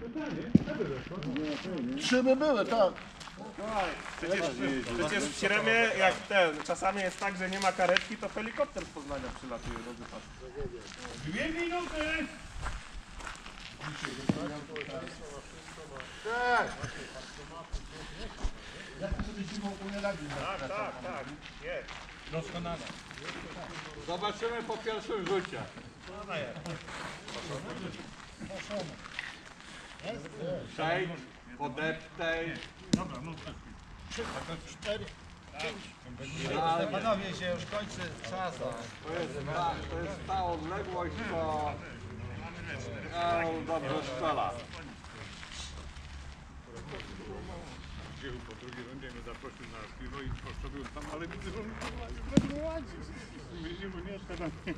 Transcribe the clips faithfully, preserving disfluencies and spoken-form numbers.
Trzy by były, tak. Przecież, przecież w Śremie, jak ten, czasami jest tak, że nie ma karetki, to helikopter z Poznania przylatuje do wypadku. Dwie minuty! Jak to sobie zimą nie radzi? Tak, tak, tak, jest. Doskonale. Zobaczymy po pierwszym rzucie. Przejdź, podeptaj. Dobra, no tak. Cztery. Idealnie. Panowie, się już kończy czas. To jest ta, to jest ta odległość, co Karol dobrze strzela. Wziął po drugiej rundzie mnie zaprosił na piwo i postawił tam, ale widzę, że on nie ładzi. Mówię, bo nie, teraz nie.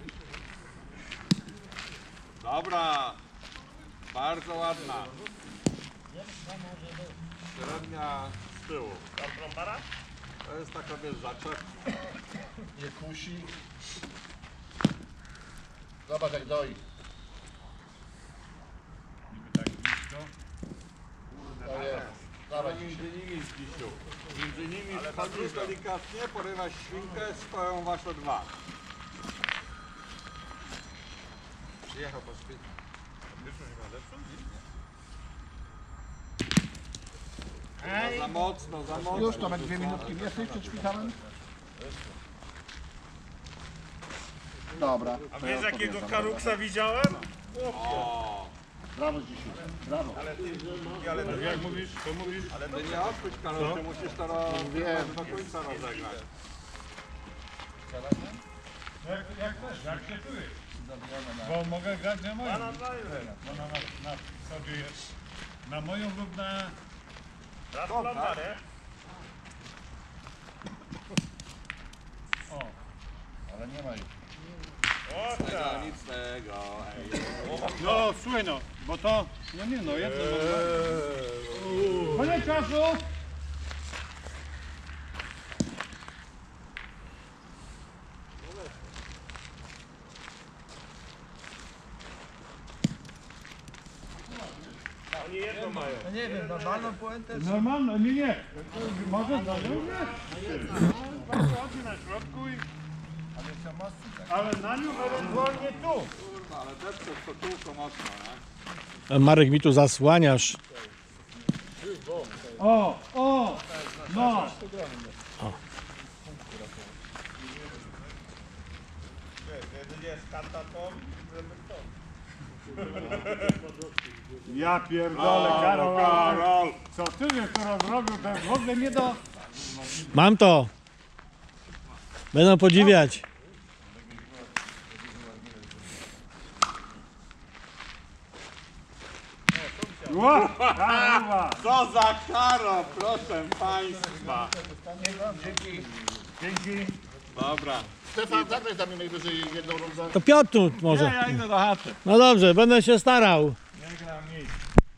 Dobra. Bardzo ładna. Średnia z tyłu. Tam trąbara? To jest taka, wiesz, zaczep. Nie kusi. Zobacz jak doi. Niby tak blisko. To jest. Dawaj Między nimi zbisiu. Między nimi wchodzisz delikatnie, porywasz świnkę, stoją wasze dwa. Przyjechał po świetnie. No, za mocno, za mocno. Już Tomek dwie minutki więcej przed szpitalem. Dobra. A wiesz jakiego karuksa widziałem? O, Brawo z dzisiaj. Brawo. Jak mówisz, to mówisz? ty nie odpuść, Karol, ty musisz to ro... do końca rozegrać. Jak, jak też, jak się czujesz? Bo mogę grać na moją. No na, na, na sobie jest. Na moją lub na... Raz trąba, nie? O, Ale nie ma ich. O Tego, tak. nic z tego, ej. no słuchaj no, bo to... No nie no, jedno eee. Koniec czasu! Oni jedno mają. No nie wiem, normalną puentę. Normalno, nie, nie. Może to nie? Chodzi na środku i... Ale na nią ewentualnie tu. Kurwa, ale depczesz to kółko mocno, nie? Marek, mi tu zasłaniasz. O, o, no. Jedynie jest karta to, żeby to. Ja pierdolę, Karol, Karol. Co ty wiesz, teraz zrobił, to jest w ogóle nie do... Mam to. Będą podziwiać. Ła, Karol. Co za karo, proszę państwa. Dzięki. Dobra. Stefan, zagraj tam najwyżej jedną rundę. To Piotr tu może. Ja idę do chaty. No dobrze, będę się starał. Nie gram nic.